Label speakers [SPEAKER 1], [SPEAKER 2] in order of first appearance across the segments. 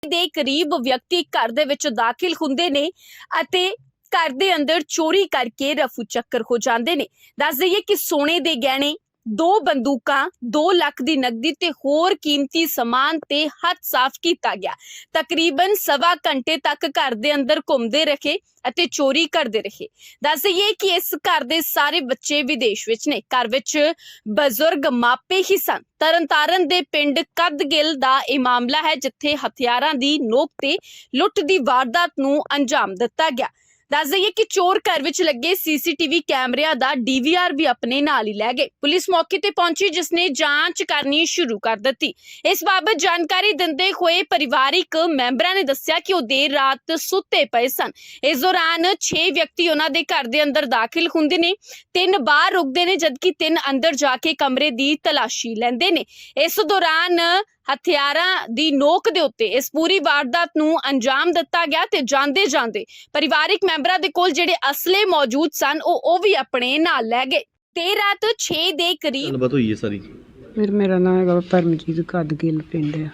[SPEAKER 1] ਦੇ ਕਰੀਬ ਵਿਅਕਤੀ ਘਰ ਦੇ ਵਿੱਚ ਦਾਖਲ ਹੁੰਦੇ ਨੇ ਅਤੇ ਘਰ ਦੇ ਅੰਦਰ ਚੋਰੀ ਕਰਕੇ ਰਫੂ ਚੱਕਰ ਹੋ ਜਾਂਦੇ ਨੇ। ਦੱਸ ਦਈਏ ਕਿ ਸੋਨੇ ਦੇ ਗਹਿਣੇ, 2 ਬੰਦੂਕਾਂ, 2 ਲੱਖ ਦੀ ਨਕਦੀ ਤੇ ਹੋਰ ਕੀਮਤੀ ਸਮਾਨ ਤੇ ਹੱਥ ਸਾਫ਼ ਕੀਤਾ ਗਿਆ। ਤਕਰੀਬਨ ਸਵਾ ਘੰਟੇ ਤੱਕ ਘਰ ਦੇ ਅੰਦਰ ਘੁੰਮਦੇ ਰਹੇ ਅਤੇ ਚੋਰੀ ਕਰਦੇ ਰਹੇ। ਦੱਸ ਦਈਏ ਕਿ ਇਸ ਘਰ ਦੇ ਸਾਰੇ ਬੱਚੇ ਵਿਦੇਸ਼ ਵਿੱਚ ਨੇ। ਘਰ ਵਿੱਚ ਬਜ਼ੁਰਗ ਮਾਪੇ ਹੀ ਸਨ। ਤਰਨਤਾਰਨ ਦੇ ਪਿੰਡ ਕਦਗਿੱਲ ਦਾ ਇਹ ਮਾਮਲਾ ਹੈ, ਜਿੱਥੇ ਹਥਿਆਰਾਂ ਦੀ ਨੋਕ ਤੇ ਲੁੱਟ ਦੀ ਵਾਰਦਾਤ ਨੂੰ ਅੰਜਾਮ ਦਿੱਤਾ ਗਿਆ। ਦੱਸ ਦਈਏ ਕਿ ਚੋਰ ਘਰ ਵਿੱਚ ਲੱਗੇ ਸੀਸੀਟੀਵੀ ਕੈਮਰਿਆਂ ਦਾ ਡੀਵੀਆਰ ਵੀ ਆਪਣੇ ਨਾਲ ਹੀ ਲੈ ਗਏ। ਪੁਲਿਸ ਮੌਕੇ ਤੇ ਪਹੁੰਚੀ, ਜਿਸ ਨੇ ਜਾਂਚ ਕਰਨੀ ਸ਼ੁਰੂ ਕਰ ਦਿੱਤੀ। ਇਸ ਬਾਬਤ ਜਾਣਕਾਰੀ ਦਿੰਦੇ ਹੋਏ ਪਰਿਵਾਰਿਕ ਮੈਂਬਰਾਂ ਨੇ ਦੱਸਿਆ ਕਿ ਉਹ ਦੇਰ ਰਾਤ ਸੁੱਤੇ ਪਏ ਸਨ। ਇਸ ਦੌਰਾਨ 6 ਵਿਅਕਤੀ ਉਹਨਾਂ ਦੇ ਘਰ ਦੇ ਅੰਦਰ ਦਾਖਲ ਹੁੰਦੇ ਨੇ। 3 ਬਾਹਰ ਰੁਕਦੇ ਨੇ, ਜਦਕਿ 3 ਅੰਦਰ ਜਾ ਕੇ ਕਮਰੇ ਦੀ ਤਲਾਸ਼ੀ ਲੈਂਦੇ ਨੇ। ਇਸ ਦੌਰਾਨ ਹਥਿਆਰਾਂ ਦੀ ਨੋਕ ਦੇ ਉੱਤੇ ਇਸ ਪੂਰੀ ਵਾਰਦਾਤ ਨੂੰ ਅੰਜਾਮ ਦਿੱਤਾ ਗਿਆ ਤੇ ਜਾਂਦੇ ਜਾਂਦੇ ਪਰਿਵਾਰਿਕ ਮੈਂਬਰਾਂ ਦੇ ਕੋਲ ਜਿਹੜੇ ਅਸਲੇ ਮੌਜੂਦ ਸਨ ਉਹ ਵੀ ਆਪਣੇ ਨਾਲ ਲੈ ਗਏ। ਤੇ ਰਾਤ 6 ਦੇ ਕਰੀਬ
[SPEAKER 2] ਗੱਲਬਾਤ ਹੋਈ ਹੈ ਸਾਰੀ।
[SPEAKER 3] ਮੇਰਾ ਨਾਮ ਹੈਗਾ ਪਰਮਜੀਤ ਕਦਗਿੱਲ ਪਿੰਡ ਆ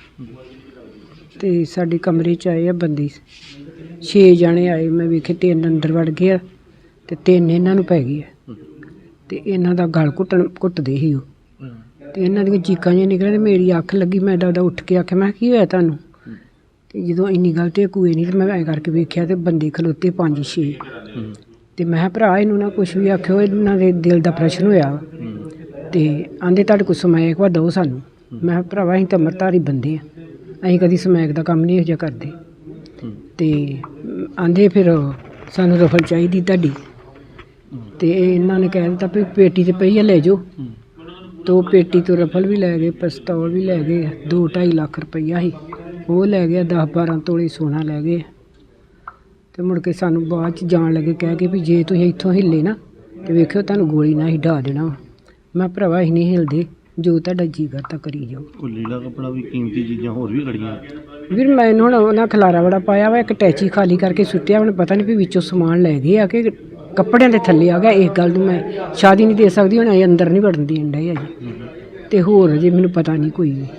[SPEAKER 3] ਤੇ ਸਾਡੇ ਕਮਰੇ 'ਚ ਆਏ ਆ ਬੰਦੇ 6 ਜਣੇ ਆਏ। ਮੈਂ ਵੇਖੇ 3 ਅੰਦਰ ਵੜ ਗਏ ਆ ਤੇ 3 ਇਹਨਾਂ ਨੂੰ ਪੈ ਗਈ ਆ ਤੇ ਇਹਨਾਂ ਦਾ ਗਲ ਘੁੱਟਦੇ ਸੀ ਉਹ ਤੇ ਇਹਨਾਂ ਦੀਆਂ ਚੀਕਾਂ ਜਿਹੀਆਂ ਨਿਕਲੀਆਂ ਤੇ ਮੇਰੀ ਅੱਖ ਲੱਗੀ। ਮੈਂ ਦਾਦਾ ਉੱਠ ਕੇ ਆਖਿਆ, ਮੈਂ ਕੀ ਹੋਇਆ ਤੁਹਾਨੂੰ? ਤੇ ਜਦੋਂ ਇੰਨੀ ਗੱਲ ਤੇ ਕੂਏ ਨਹੀਂ ਤੇ ਮੈਂ ਐਂ ਕਰਕੇ ਵੇਖਿਆ ਤੇ ਬੰਦੇ ਖਲੋਤੇ 5-6 ਤੇ ਮੈਂ ਕਿਹਾ ਭਰਾ ਇਹਨੂੰ ਨਾ ਕੁਛ ਵੀ ਆਖਿਓ, ਇਹਨਾਂ ਦੇ ਦਿਲ ਦਾ ਪ੍ਰਸ਼ਨ ਹੋਇਆ ਤੇ ਆਂਦੇ ਤੁਹਾਡੇ ਕੋਲ ਸਮੈਕ ਵਾ ਦਿਓ ਸਾਨੂੰ। ਮੈਂ ਕਿਹਾ ਭਰਾਵਾ ਅਸੀਂ ਤਾਂ ਅੰਮ੍ਰਿਤਧਾਰੀ ਬੰਦੇ ਆ, ਅਸੀਂ ਕਦੀ ਸਮੈਕ ਦਾ ਕੰਮ ਨਹੀਂ ਇਹੋ ਜਿਹਾ ਕਰਦੇ। ਤੇ ਆਂਦੇ ਫਿਰ ਸਾਨੂੰ ਰਫਲ ਚਾਹੀਦੀ ਤੁਹਾਡੀ। ਤੇ ਇਹਨਾਂ ਨੇ ਕਹਿ ਦਿੱਤਾ ਵੀ ਪੇਟੀ ਤੇ ਪਈ ਆ, ਲੈ ਜਾਓ। ਤੋ ਪੇਟੀ ਤੋਂ ਰਫਲ ਵੀ ਲੈ ਗਏ, ਪਿਸਤੌਲ ਵੀ ਲੈ ਗਏ, 2-2.5 ਲੱਖ ਰੁਪਈਆ ਸੀ ਉਹ ਲੈ ਗਿਆ, 10-12 ਤੋਲੇ ਸੋਨਾ ਲੈ ਗਏ। ਤੇ ਮੁੜ ਕੇ ਸਾਨੂੰ ਬਾਅਦ 'ਚ ਜਾਣ ਲੱਗੇ ਕਹਿ ਕੇ ਵੀ ਜੇ ਤੁਸੀਂ ਇੱਥੋਂ ਹਿੱਲੇ ਨਾ ਤੇ ਵੇਖਿਓ ਤੁਹਾਨੂੰ ਗੋਲੀ ਨਾਲ ਹੀ ਢਾ ਦੇਣਾ। ਮੈਂ ਭਰਾਵਾ ਅਸੀਂ ਨਹੀਂ ਹਿਲਦੇ, ਜੋ ਤੁਹਾਡਾ ਜੀ ਕਰਦਾ ਕਰੀ ਜਾਓ।
[SPEAKER 2] ਕੋਈ ਲੀੜਾ ਕੱਪੜਾ ਵੀ, ਕੀਮਤੀ ਚੀਜ਼ਾਂ ਹੋਰ ਵੀ ਖੜੀਆਂ
[SPEAKER 3] ਵੀਰ ਮੈਨੂੰ ਹੁਣ ਉਹਨਾਂ ਖਲਾਰਾ ਬੜਾ ਪਾਇਆ ਵਾ। ਇੱਕ ਟੈਚੀ ਖਾਲੀ ਕਰਕੇ ਸੁੱਟਿਆ, ਮੈਨੂੰ ਪਤਾ ਨਹੀਂ ਵੀ ਵਿੱਚੋਂ ਸਮਾਨ ਲੈ ਗਏ ਆ ਕਿ ਕੱਪੜਿਆਂ ਦੇ ਥੱਲੇ ਆ ਗਿਆ। ਇਸ ਗੱਲ ਨੂੰ ਮੈਂ ਸ਼ਾਦੀ ਨਹੀਂ ਦੇ ਸਕਦੀ, ਹੁਣ ਅੰਦਰ ਨਹੀਂ ਵੜਨ ਦੇਣ ਡਏ ਅਜੇ ਤੇ ਹੋਰ ਅਜੇ ਮੈਨੂੰ ਪਤਾ ਨਹੀਂ ਕੋਈ ਵੀ।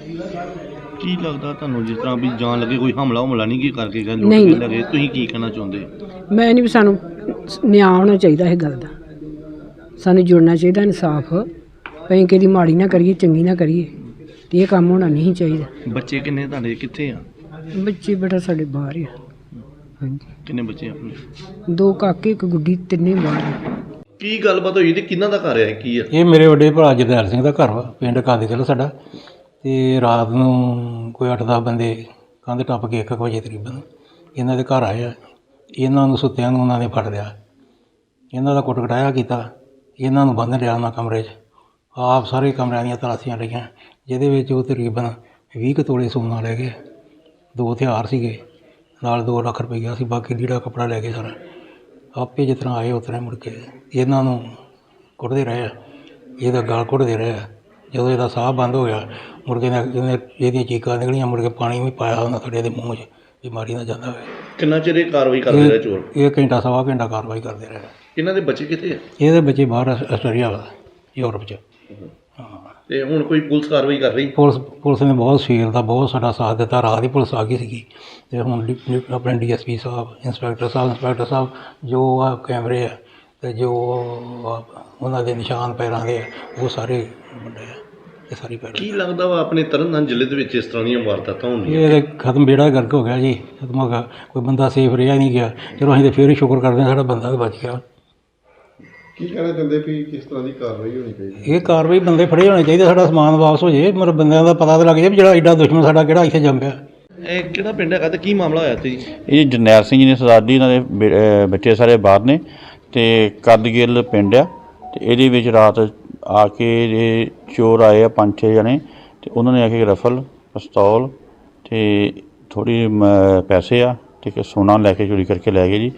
[SPEAKER 2] ਕੀ ਲੱਗਦਾ ਤੁਹਾਨੂੰ ਜਿਸ ਤਰ੍ਹਾਂ ਵੀ ਜਾਣ ਲੱਗੇ ਕੋਈ ਹਮਲਾ ਨਹੀਂ ਕੀ ਕਰਕੇ ਗਏ
[SPEAKER 3] ਨਹੀਂ।
[SPEAKER 2] ਲੱਗੇ, ਤੁਸੀਂ ਕੀ ਕਹਿਣਾ ਚਾਹੁੰਦੇ?
[SPEAKER 3] ਮੈਂ ਨਹੀਂ ਵੀ ਸਾਨੂੰ ਨਿਆਂ ਹੋਣਾ ਚਾਹੀਦਾ ਇਹ ਗੱਲ ਦਾ, ਸਾਨੂੰ ਜੁੜਨਾ ਚਾਹੀਦਾ ਇਨਸਾਫ। ਅਸੀਂ ਕਿਹਦੀ ਮਾੜੀ ਨਾ ਕਰੀਏ, ਚੰਗੀ ਨਾ ਕਰੀਏ ਤੇ ਇਹ ਕੰਮ ਹੋਣਾ ਨਹੀਂ ਚਾਹੀਦਾ।
[SPEAKER 2] ਬੱਚੇ ਕਿੰਨੇ ਤੁਹਾਡੇ, ਕਿੱਥੇ ਆ?
[SPEAKER 3] ਬੱਚੇ ਬੇਟਾ ਸਾਡੇ ਬਾਹਰ ਆ। ਹਾਂਜੀ।
[SPEAKER 2] ਕਿੰਨੇ ਬੱਚੇ ਆਪਣੇ?
[SPEAKER 3] 2 ਕਾਕੇ, 1 ਗੁੱਡੀ, 3 ਬਾਹਰ ਆ।
[SPEAKER 2] ਕੀ ਗੱਲਬਾਤ ਹੋਈ ਤੇ ਕਿਹਨਾਂ ਦਾ ਘਰ ਹੈ, ਕੀ ਆ?
[SPEAKER 4] ਇਹ ਮੇਰੇ ਵੱਡੇ ਭਰਾ ਜਰਨੈਲ ਸਿੰਘ ਦਾ ਘਰ ਵਾ, ਪਿੰਡ ਕਦਗਿੱਲ ਸਾਡਾ। ਤੇ ਰਾਤ ਨੂੰ ਕੋਈ 8-10 ਬੰਦੇ ਕੰਧ ਟੱਪ ਕੇ 1 ਵਜੇ ਤਕਰੀਬਨ ਇਹਨਾਂ ਦੇ ਘਰ ਆਏ ਆ। ਇਹਨਾਂ ਨੂੰ ਸੁੱਤਿਆਂ ਨੂੰ ਉਹਨਾਂ ਨੇ ਫੜ ਲਿਆ, ਇਹਨਾਂ ਦਾ ਕੁੱਟ ਕਟਾਇਆ ਕੀਤਾ, ਇਹਨਾਂ ਨੂੰ ਬੰਨ੍ਹ ਲਿਆ ਉਹਨਾਂ ਕਮਰੇ 'ਚ। ਆਪ ਸਾਰੇ ਕਮਰਿਆਂ ਦੀਆਂ ਤਲਾਸ਼ੀਆਂ ਲਈਆਂ, ਜਿਹਦੇ ਵਿੱਚ ਉਹ ਤਕਰੀਬਨ 20 ਕੁ ਤੋਲੇ ਸੋਨਾ ਲੈ ਗਏ, 2 ਹਥਿਆਰ ਸੀਗੇ ਨਾਲ, 2 ਲੱਖ ਰੁਪਈਆ ਸੀ, ਬਾਕੀ ਲੀੜਾ ਕੱਪੜਾ ਲੈ ਗਏ ਸਾਰਾ। ਆਪੇ ਜਿਸ ਤਰ੍ਹਾਂ ਆਏ ਉਸ ਤਰ੍ਹਾਂ ਮੁੜ ਕੇ ਇਹਨਾਂ ਨੂੰ ਕੁੱਟਦੇ ਰਹੇ ਆ, ਇਹਦਾ ਗਲ ਘੁੱਟਦੇ ਰਹੇ ਆ। ਜਦੋਂ ਇਹਦਾ ਸਾਹ ਬੰਦ ਹੋ ਗਿਆ ਮੁੜ ਕੇ ਇਹਦੀਆਂ ਚੀਕਾਂ ਨਿਕਲੀਆਂ, ਮੁੜ ਕੇ ਪਾਣੀ ਵੀ ਪਾਇਆ ਉਹਨਾਂ ਸਾਡੇ ਦੇ ਮੂੰਹ 'ਚ ਵੀ ਮਾਰੀ ਨਾ ਜਾਂਦਾ ਹੋਵੇ।
[SPEAKER 2] ਕਿੰਨਾ ਚਿਰ ਇਹ ਕਾਰਵਾਈ ਕਰਦੇ ਰਹੇ ਚੋਰ?
[SPEAKER 4] ਇਹ ਘੰਟਾ ਸਵਾ ਘੰਟਾ ਕਾਰਵਾਈ ਕਰਦੇ ਰਹੇ।
[SPEAKER 2] ਇਹਨਾਂ ਦੇ ਬੱਚੇ ਕਿੱਥੇ ਆ?
[SPEAKER 4] ਇਹਦੇ ਬੱਚੇ ਬਾਹਰ ਆਸਟ੍ਰੇਲੀਆ ਵਾ, ਯੂਰਪ 'ਚ। ਹਾਂ। ਤੇ
[SPEAKER 2] ਹੁਣ ਕੋਈ ਪੁਲਿਸ ਕਾਰਵਾਈ ਕਰ ਰਹੀ?
[SPEAKER 4] ਪੁਲਿਸ ਨੇ ਬਹੁਤ ਸਵੇਰ ਦਾ ਬਹੁਤ ਸਾਡਾ ਸਾਥ ਦਿੱਤਾ। ਰਾਤ ਹੀ ਪੁਲਿਸ ਆ ਗਈ ਸੀਗੀ ਅਤੇ ਹੁਣ ਆਪਣੇ DSP ਸਾਹਿਬ, ਇੰਸਪੈਕਟਰ ਸਾਹਿਬ ਜੋ ਆ ਕੈਮਰੇ ਆ ਅਤੇ ਜੋ ਉਹਨਾਂ ਦੇ ਨਿਸ਼ਾਨ ਪੈਰਾਂ ਦੇ ਆ, ਉਹ ਸਾਰੇ ਮੁੰਡੇ ਆ, ਇਹ ਸਾਰੀ ਪੈਰ।
[SPEAKER 2] ਕੀ ਲੱਗਦਾ ਵਾ ਆਪਣੇ ਤਰਨਤਾਰਨ ਜ਼ਿਲ੍ਹੇ ਦੇ ਵਿੱਚ ਇਸ ਤਰ੍ਹਾਂ ਦੀਆਂ ਵਾਰਦਾਤਾਂ ਹੁੰਦੀਆਂ?
[SPEAKER 4] ਇਹ ਖਤਮ, ਬੇੜਾ ਗਰਕ ਹੋ ਗਿਆ ਜੀ, ਖਤਮ ਹੋ ਗਿਆ। ਕੋਈ ਬੰਦਾ ਸੇਫ ਰਿਹਾ ਨਹੀਂ ਗਿਆ। ਚਲੋ ਅਸੀਂ ਤਾਂ ਫਿਰ ਹੀ ਸ਼ੁਕਰ ਕਰਦੇ ਹਾਂ ਸਾਡਾ ਬੰਦਾ ਤਾਂ ਬਚ ਗਿਆ।
[SPEAKER 5] ਕੀ ਕਹਿਣਾ ਚਾਹੁੰਦੇ ਵੀ ਕਿਸ ਤਰ੍ਹਾਂ ਦੀ ਕਾਰਵਾਈ ਹੋਣੀ ਚਾਹੀਦੀ?
[SPEAKER 4] ਇਹ ਕਾਰਵਾਈ ਬੰਦੇ ਫੜੇ ਹੋਣੇ ਚਾਹੀਦੇ, ਸਾਡਾ ਸਮਾਨ ਵਾਪਸ ਹੋ ਜਾਏ, ਮਤਲਬ ਬੰਦਿਆਂ ਦਾ ਪਤਾ ਤਾਂ ਲੱਗ ਜਾਏ ਵੀ ਜਿਹੜਾ ਐਡਾ ਦੁਸ਼ਮਣ ਸਾਡਾ ਕਿਹੜਾ ਇੱਥੇ ਜੰਮ ਪਿਆ।
[SPEAKER 2] ਇਹ ਕਿਹੜਾ ਪਿੰਡ ਹੈਗਾ ਤੇ ਕੀ ਮਾਮਲਾ ਹੋਇਆ ਤੇ ਜੀ?
[SPEAKER 6] ਇਹ ਜਰਨੈਲ ਸਿੰਘ ਜੀ ਨੇ ਸਰਦਾਰ ਜੀ, ਇਹਨਾਂ ਦੇ ਬੱਚੇ ਸਾਰੇ ਬਾਹਰ ਨੇ ਤੇ ਕਦਗਿੱਲ ਪਿੰਡ ਆ। ਤੇ ਇਹਦੇ ਵਿੱਚ ਰਾਤ ਆ ਕੇ ਇਹ ਚੋਰ ਆਏ ਆ 5-6 ਜਣੇ ਤੇ ਉਹਨਾਂ ਨੇ ਆ ਕੇ ਰਫਲ, ਪਿਸਤੌਲ ਤੇ ਥੋੜੀ ਪੈਸੇ ਆ ਤੇ ਸੋਨਾ ਲੈ ਕੇ ਚੋਰੀ ਕਰਕੇ ਲੈ ਗਏ ਜੀ।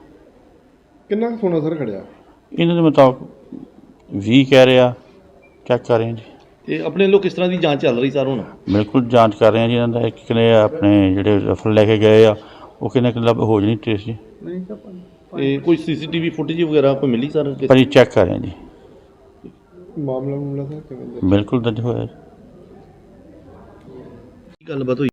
[SPEAKER 5] ਕਿੰਨਾ ਕੁ ਸੋਨਾ ਸਰ ਖੜਿਆ?
[SPEAKER 6] ਇਹਨਾਂ ਦੇ ਮੁਤਾਬਕ 20 ਕਹਿ ਰਿਹਾ, ਚੈੱਕ ਕਰ ਰਹੇ ਹਾਂ ਜੀ।
[SPEAKER 2] ਤੇ ਆਪਣੇ ਲੋਕ ਕਿਸ ਤਰ੍ਹਾਂ ਦੀ ਜਾਂਚ ਚੱਲ ਰਹੀ ਸਰ ਹੁਣ?
[SPEAKER 6] ਬਿਲਕੁਲ ਜਾਂਚ ਕਰ ਰਹੇ ਹਾਂ ਜੀ। ਇਹਨਾਂ ਦਾ ਕਿਨੇ ਆਪਣੇ ਜਿਹੜੇ ਰਫਲ ਲੈ ਕੇ ਗਏ ਆ ਉਹ ਕਿੰਨੇ ਲੱਭ ਹੋ ਜਾਣੀ ਟ੍ਰੇਸ ਜੀ।
[SPEAKER 2] ਤੇ ਕੋਈ CCTV ਫੁਟੇਜ ਵਗੈਰਾ ਕੋਈ ਮਿਲੀ ਸਰ?
[SPEAKER 6] ਪਰ ਇਹ ਚੈੱਕ ਕਰ ਰਹੇ ਹਾਂ ਜੀ।
[SPEAKER 5] ਮਾਮਲਾ ਸਰ ਕਿਵੇਂ?
[SPEAKER 6] ਬਿਲਕੁਲ ਦਰਜ ਹੋਇਆ।
[SPEAKER 2] ਕੀ ਗੱਲਬਾਤ ਹੋਈ?